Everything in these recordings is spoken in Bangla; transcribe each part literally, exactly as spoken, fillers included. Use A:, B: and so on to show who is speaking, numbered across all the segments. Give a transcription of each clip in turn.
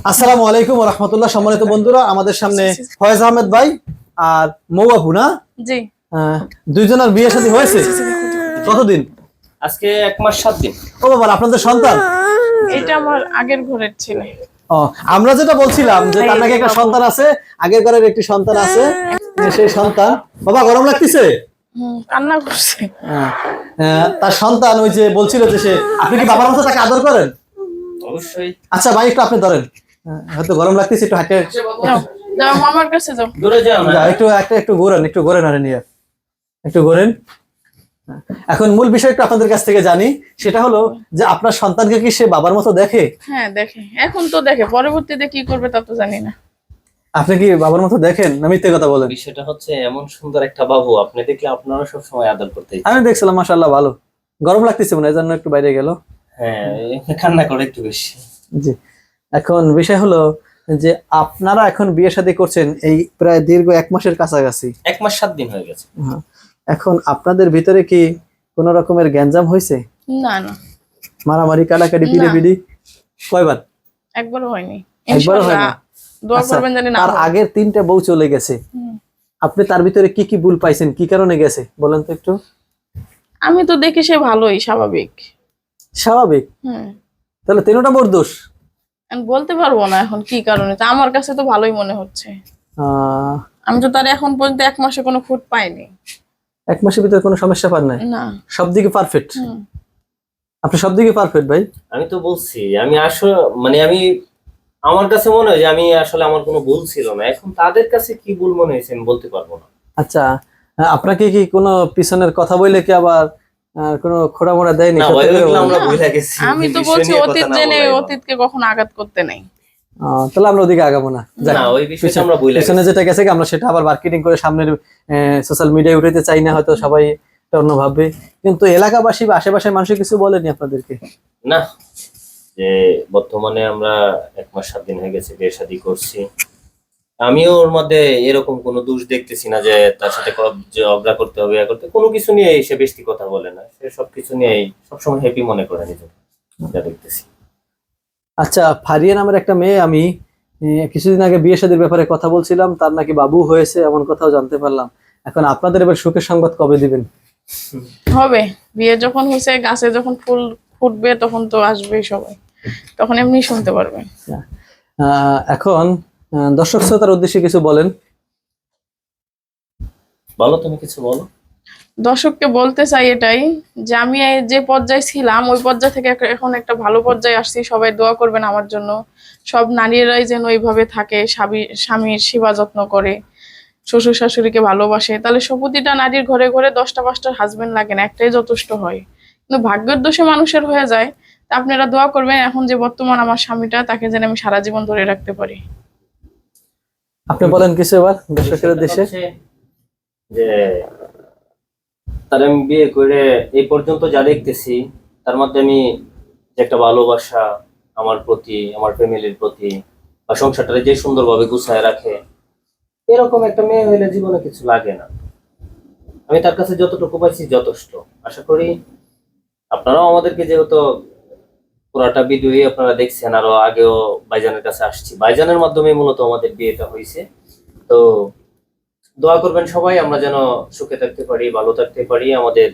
A: আসসালামু আলাইকুম ওয়া রাহমাতুল্লাহ। সম্মানিত বন্ধুরা, আমাদের সামনে ফয়েজ আহমেদ ভাই আর মৌ আপু না?
B: জি।
A: দুইজনের বিয়ে শাদী হয়েছে কতদিন?
C: আজকে এক মাস সাত দিন।
A: ও বাবা, আপনাদের সন্তান?
B: এটা আমার আগের ঘরের ছিল।
A: ও, আমরা যেটা বলছিলাম যে তার নাকি একটা সন্তান আছে, আগের ঘরের একটি সন্তান আছে, সেই সন্তান। বাবা গরম লাগতেছে?
B: হুম, কান্না করছে।
A: তার সন্তান ওই যে বলছিল যে সে, আপনি কি বাবার মতো তাকে আদর করেন?
C: অবশ্যই।
A: আচ্ছা ভাই, একটু আপনি ধরেন, হয়তো গরম লাগতেছে, একটু হাঁটে
B: যাও যাও মামার কাছে যাও।
C: দূরে যাও না,
A: একটু একটা একটু ঘোরেন, একটু ঘোরেন, আরে নিয়ে একটু ঘোরেন। এখন মূল বিষয় একটু আপনাদের কাছ থেকে জানি, সেটা হলো যে আপনার সন্তানকে কি সে বাবার মতো দেখে?
B: হ্যাঁ দেখে, এখন তো দেখে, পরবর্তীতে কি করবে তা তো জানি না।
A: আপনি কি বাবার মতো দেখেন না মিথ্যে কথা বলেন?
C: বিষয়টা হচ্ছে এমন সুন্দর একটা বাবু আপনি দেখলে আপনারা সব সময় আদর করতে।
A: আমি দেখছিলাম মাশাআল্লাহ ভালো। গরম লাগতেছে মনে হয়, এজন্য একটু বাইরে গেল।
C: হ্যাঁ, কান্না করে একটু বেশি।
A: জি, এখন বিষয় হলো যে আপনারা এখন বিয়ে শাদী করছেন এই প্রায় দীর্ঘ এক মাসের কাছাকাছি,
C: এক মাস সাত দিন হয়ে গেছে।
A: এখন আপনাদের ভিতরে কি কোন রকমের গ্যাঞ্জাম হয়েছে?
B: না না,
A: মারামারি, কাটাকাটি, পিড়াপিড়ি? কয়বার?
B: একবারও হয়নি।
A: একবারও হয় না?
B: দোয়া করবেন জানি না।
A: আর আগের তিনটা বউ চলে গেছে, আপনি তার ভিতরে কি কি ভুল পাইছেন, কি কারণে গেছে বলেন তো একটু।
B: আমি তো দেখি সে ভালোই, স্বাভাবিক।
A: স্বাভাবিক?
B: হুম।
A: তাহলে তিনটা মোর দোষ?
B: আমি বলতে পারবো না এখন কি কারণে, তা আমার কাছে তো ভালোই মনে হচ্ছে।
A: আহ
B: আমি তো তার এখন পর্যন্ত এক মাসে কোনো খুঁত পাইনি।
A: এক মাসের ভিতরে কোনো সমস্যা পান নাই?
B: না,
A: সব দিকে পারফেক্ট?
B: হুম।
A: আপনি সব দিকে পারফেক্ট ভাই।
C: আমি তো বলছি আমি আসলে মানে আমি আমার কাছে মনে হয় যে আমি আসলে আমার কোনো ভুল ছিল না। এখন তাদের কাছে কি ভুল মনে হয়েছে আমি বলতে পারবো না।
A: আচ্ছা, আপনাকে কি কোনো পিছনের কথা বলে কি আবার আহ, কোনো খোড়া মোড়া দেয়নি?
C: না
A: সত্যি
C: ভাই,
A: করে
C: ওইগুলো
A: বলেন।
C: আমরা ভুলে গেছি।
B: আমি তো
C: এই বিষয়
B: বলছি
C: নিয়ে কথা
B: অতীত
C: না
B: জেনে
C: বলাই ভালো।
B: অতীতকে কখনো আঘাত করতে নেই।
A: আহ, তাহলে আমরা ওদিকে আগাবো না। যাক,
C: না, ওই বিষয়টা
A: পিছনে-
C: আমরা ভুলে
A: পিছনে
C: গেছি।
A: যেটা গেছে কি আমরা সেটা আবার মার্কেটিং করে সামনের সোশ্যাল মিডিয়ায় উঠাতে চাই না, হয়তো সবাই এটা অন্য ভাববে। কিন্তু এলাকাবাসী বা আশেপাশের মানুষ কিছু বলেনি আপনাদেরকে?
C: না, যে বর্তমানে আমরা এক মাস সাত দিন হয়ে গেছে বিয়ে শাদী করছি, আমিও ওর মধ্যে এরকম কোনো দোষ দেখতেছি না যে তার সাথে ক- যে ঝগড়া করতে হবে, ইয়া করতে, কোনো কিছু নিয়ে সে বেশি কথা বলে না। সে সবকিছু নিয়ে সবসময় হ্যাপি মনে করে নিজেকে, যা দেখতেছি।
A: আচ্ছা, ফারিয়া নামের একটা মেয়ে, আমি আহ, কিছুদিন আগে বিয়ে শাদীর ব্যাপারে কথা বলছিলাম, তার নাকি বাবু হয়েছে এমন কথাও জানতে পারলাম। এখন আপনাদের এবার সুখের সংবাদ কবে দিবেন?
B: হবে, বিয়ে যখন হয়েছে, গাছে যখন ফুল ফুটবে তখন তো আসবেই সবাই, তখন এমনি শুনতে পারবেন।
A: আহ, এখন আহ, দর্শক শ্রোতার উদ্দেশ্যে কিছু বলেন।
C: বলো, তুমি কিছু বলো।
B: দর্শককে বলতে চাই এটাই, যে আমি এই যে পর্যায়ে ছিলাম ওই পর্যায় থেকে এক- এখন একটা ভালো পর্যায়ে আসছি। সবাই দোয়া করবেন আমার জন্য। সব নারীরাই যেন ওইভাবে থাকে, স্বামী- স্বামীর সেবা যত্ন করে, শ্বশুর শাশুড়িকে ভালোবাসে, তাহলে সব প্রতিটা নারীর ঘরে ঘরে দশটা পাঁচটা হাজবেন্ড লাগে না, একটাই যথেষ্ট হয়। কিন্তু ভাগ্যের দোষে মানুষের হয়ে যায়। তা আপনারা দোয়া করবেন এখন যে বর্তমান আমার স্বামীটা, তাকে যেন আমি সারা জীবন ধরে রাখতে পারি।
A: আপনি বলেন কিছু এবার দর্শকের উদ্দেশ্যে।
C: হচ্ছে যে তার আমি বিয়ে করে এই পর্যন্ত যা দেখতেছি, তার মধ্যে আমি যে একটা ভালোবাসা আমার প্রতি, আমার ফ্যামিলির প্রতি, বা সংসারটা যে সুন্দরভাবে গুছায় রাখে, এরকম একটা মেয়ে হইলে জীবনে কিছু লাগে না। আমি তার কাছে যতটুকু পাইছি যথেষ্ট। আশা করি আপনারাও আমাদেরকে, যেহেতু পুরাটা ভিডিওই আপনারা দেখছেন, আরো আগেও ভাইজানের কাছে আসছি, ভাইজানের মাধ্যমে মূলত আমাদের বিয়েটা হয়েছে। তো দোয়া করবেন সবাই, আমরা যেন সুখে থাকতে পারি, ভালো থাকতে পারি, আমাদের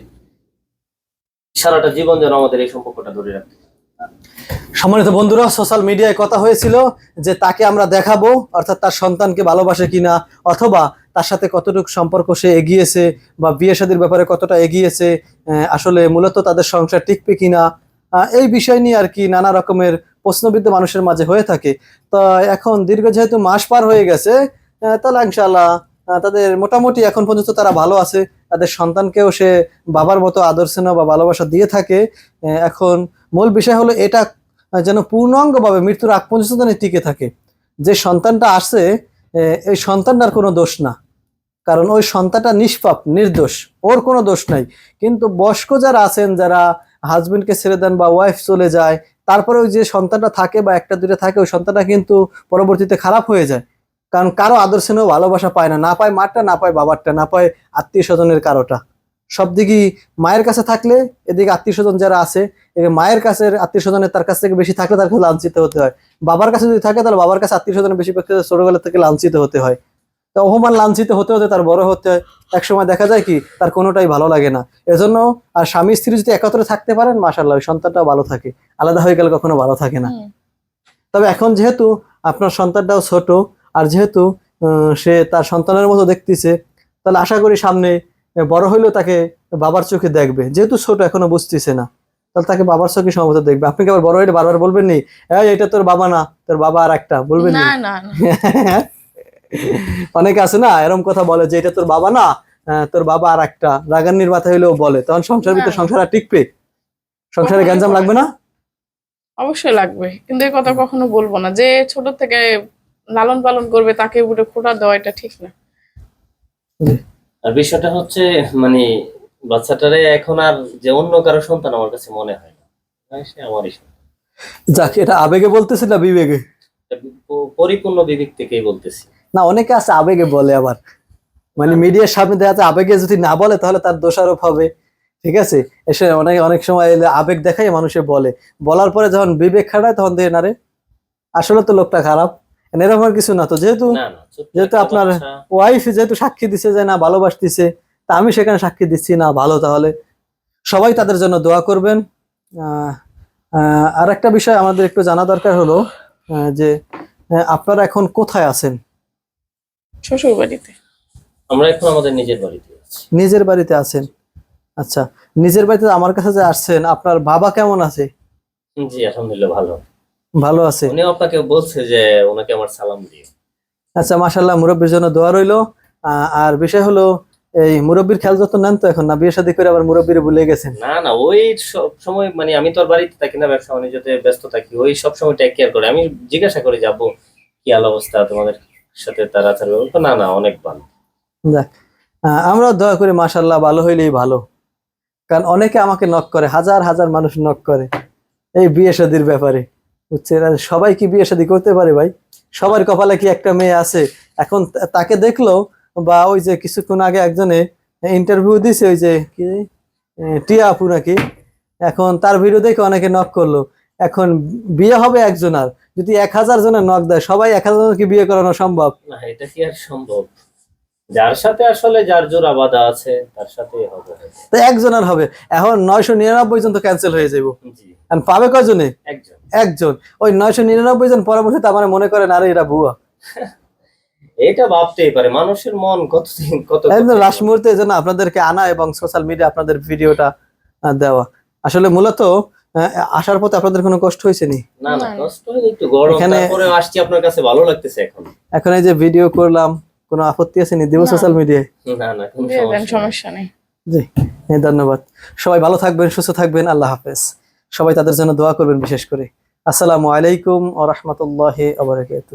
C: সারাটা জীবন যেন আমাদের এই সম্পর্কটা ধরে রাখতে পারি।
A: সম্মানিত বন্ধুরা, সোশ্যাল মিডিয়ায় কথা হয়েছিল যে তাকে আমরা দেখাবো, অর্থাৎ তার সন্তানকে ভালোবাসে কিনা, অথবা তার সাথে কতটুকু সম্পর্ক সে এগিয়েছে, বা বিয়ে শাদীর ব্যাপারে কতটা এগিয়েছে, আহ, আসলে মূলত তাদের সংসার টিকবে কিনা, আহ, এই বিষয় নিয়ে আর কি নানা রকমের প্রশ্নবিদ্ধ মানুষের মাঝে হয়ে থাকে। তো এখন দীর্ঘ যেহেতু মাস পার হয়ে গেছে, আহ, তাহলে ইনশাআল্লাহ আহ, তাদের মোটামুটি এখন পর্যন্ত তারা ভালো আছে। তাদের সন্তানকেও সে বাবার মতো আদর স্নেহ বা ভালোবাসা দিয়ে থাকে। আহ, এখন মূল বিষয় হলো এটা যেন পূর্ণাঙ্গভাবে মৃত্যুর আগ পর্যন্ত যেন টিকে থাকে। যে সন্তানটা আসছে, এই সন্তানটার কোনো দোষ না, কারণ ওই সন্তানটা নিষ্পাপ, নির্দোষ, ওর কোনো দোষ নাই। কিন্তু বয়স্ক যারা আছেন, যারা হাজবেন্ডকে ছেড়ে দেন বা ওয়াইফ চলে যায়, তারপরে ওই যে সন্তানটা থাকে বা একটা দুটো থাকে, ওই সন্তানটা কিন্তু পরবর্তীতে খারাপ হয়ে যায়। কারণ কারো আদর স্নেহ ভালোবাসা পায় না, না পায় মারটা, না পায় বাবারটা, না পায় আত্মীয় স্বজনের কারোটা। সব দিকই মায়ের কাছে থাকলে এদিকে আত্মীয় স্বজন যারা আছে এদিকে মায়ের কাছে আত্মীয় স্বজনের তার কাছ থেকে বেশি থাকলে তার কাছে লাঞ্ছিত হতে হয়, বাবার কাছে যদি থাকে তাহলে বাবার কাছে আত্মীয় স্বজনের বেশি পক্ষে ছোটবেলা থেকে লাঞ্ছিত হতে হয়। তো অপমান লাঞ্ছিত হতে হতে তার বড় হতে হয়, একসময় দেখা যায় কি তার কোনোটাই ভালো লাগে না। এজন্য আর স্বামী স্ত্রী যদি একত্রে থাকতে পারেন মাশাআল্লাহ ওই সন্তানটাও ভালো থাকে, আলাদা হয়ে গেলে কখনো ভালো থাকে না।
B: হুম।
A: তবে এখন যেহেতু আপনার সন্তানটাও ছোট আর যেহেতু আহ, সে তার সন্তানের মতো দেখতেছে, তাহলে আশা করি সামনে বড় হইলেও তাকে বাবার চোখে দেখবে, যেহেতু ছোট এখনো বুঝতেছে না, তাহলে তাকে বাবার চোখে সম্ভবত দেখবে। আপনি কি আবার বড় হইলে বারবার বলবেন নি এই এটা তোর বাবা না, তোর বাবা আর একটা, বলবেন নি?
B: না না না
A: অনেকে আছে না এরকম কথা বলে যে এটা তোর বাবা না, আহ, তোর বাবা আর একটা, রাগান্নির মাথা হইলেও বলে, তখন সংসার ভিতরে
B: না।
A: সংসার আর টিকবে? সংসারে
B: কখনোই
A: গ্যাঞ্জাম
B: বলে
A: লাগবে না?
B: অবশ্যই লাগবে, কিন্তু এই কথা কখনো বলবো না। যে ছোট থেকে লালন পালন করবে তাকে উপরে খোঁটা দেওয়া এটা ঠিক না।
C: আর বিষয়টা হচ্ছে মানে বাচ্চাটারে এখন আর যে অন্য কারো সন্তান আমার কাছে মনে হয় না, হ্যাঁ, সে আমারই সন্তান।
A: যাক, এটা আবেগে বলতেছি না বিবেকে?
C: এটা প- পরিপূর্ণ বিবেক থেকেই বলতেছি।
A: না, অনেকে আছে আবেগে বলে, আবার মানে মিডিয়ার সামনে দেখা যাচ্ছে আবেগে যদি না বলে তাহলে তার দোষারোপ হবে, ঠিক আছে? এসে অনেক অনেক সময় এলে আবেগ দেখাই মানুষে বলে, বলার পরে যখন বিবেক খাটায় তখন দেখে না রে আসলে তো লোকটা খারাপ, এরকম আর কিছু না। তো যেহেতু
C: না না ছোট্ট
A: যেহেতু
C: একটা
A: আপনার
C: বাচ্চা,
A: ওয়াইফ যেহেতু সাক্ষী দিছে যে না ভালোবাসতিছে, তা আমি সেখানে সাক্ষী দিচ্ছি না ভালো, তাহলে সবাই তাদের জন্য দোয়া করবেন। আহ, আহ, আর একটা বিষয় আমাদের একটু জানা দরকার হলো আহ, যে আহ, আপনারা এখন কোথায় আছেন?
B: শ্বশুর বাড়িতে।
C: আমরা এখন আমাদের নিজের বাড়িতে আছি।
A: নিজের বাড়িতে আছেন? আচ্ছা, নিজের বাড়িতে আমার কাছে যে আসছেন, আপনার বাবা কেমন আছে?
C: জি আলহামদুলিল্লাহ ভালো।
A: ভালো আছে?
C: উনি আপনাকে বলছে যে ওনাকে আমার সালাম দিয়ে।
A: আচ্ছা, মাশাআল্লাহ, মুরব্বির জন্য দোয়া রইলো। আহ, আর বিষয় হলো এই মুরব্বির খেয়াল যত্ন নেন তো এখন, না বিয়ে শাদী করে আবার মুরব্বিরে ভুলে গেছেন?
C: না না ওই সব সময় মানে আমি তো আর বাড়িতে থাকি না, ব্যবসা বাণিজ্যতে ব্যস্ত থাকি, ওই সব সময় টেক কেয়ার করে। আমি জিজ্ঞাসা করি যাবো কি হাল অবস্থা তোমাদের সাথে, তারা আচার ব্যবহার করে? না না অনেক ভালো।
A: যাক, আহ, আমরাও দোয়া করি মাশাআল্লাহ ভালো হইলেই ভালো। কারণ অনেকে আমাকে নক করে, হাজার হাজার মানুষ নক করে এই বিয়ে শাদীর ব্যাপারে, বুঝছেন? আর সবাই কি বিয়ে শাদী করতে পারে ভাই? সবার কপালে কি একটা মেয়ে আছে? এখন তা- তাকে দেখলো, বা ওই যে কিছুক্ষণ আগে একজনে ইন্টারভিউ দিছে ওই যে কি আহ, টিয়া আপু নাকি, এখন তার ভিডিও দেখে অনেকে নক করলো। এখন বিয়ে হবে একজনার, যদি এক হাজার জনের নক দেয়, সবাই এক হাজার জনকে বিয়ে করানো সম্ভব?
C: না এটা কি আর সম্ভব? যার সাথে আসলে যার জোড়া বাঁধা আছে তার সাথেই হবে।
A: তো একজনের হবে, এখন নয়শো নিরানব্বই জন তো ক্যান্সেল হয়ে যাবো,
C: জি
A: আর পাবে কয়জনে?
C: একজন।
A: একজন। ওই নয়শো নিরানব্বই জন পরবর্তীতে আমার মনে করেন আরে এরা ভুয়া,
C: এটা ভাবতেই পারে, মানুষের মন কতদিন কত
A: একদম
C: কত-
A: লাস্ট মুহূর্তে এই জন্য আপনাদেরকে আনা এবং সোশ্যাল মিডিয়া আপনাদের ভিডিওটা আহ, দেওয়া। আসলে মূলত আহ, আসার পথে আপনাদের কোনো কষ্ট হয়েছে নি?
C: না না
B: না।
C: কষ্ট হয়নি, একটু গরম,
A: এখানে-
C: তারপরে আসছি আপনার কাছে ভালো লাগতেছে এখন।
A: এখন এই যে ভিডিও করলাম, কোনো আপত্তি আছে নি? দিব
B: না।
A: সোশ্যাল মিডিয়ায়?
C: না না কোনো
B: দিয়ে দেন,
C: সমস্যা নেই।
B: সমস্যা নেই।
A: জি, হ্যাঁ, ধন্যবাদ। সবাই ভালো থাকবেন, সুস্থ থাকবেন, আল্লাহ হাফেজ। সবাই তাদের জন্য দোয়া করবেন বিশেষ করে। আসসালামু আলাইকুম ওয়া রাহমাতুল্লাহি ওয়া বারাকাতুহু।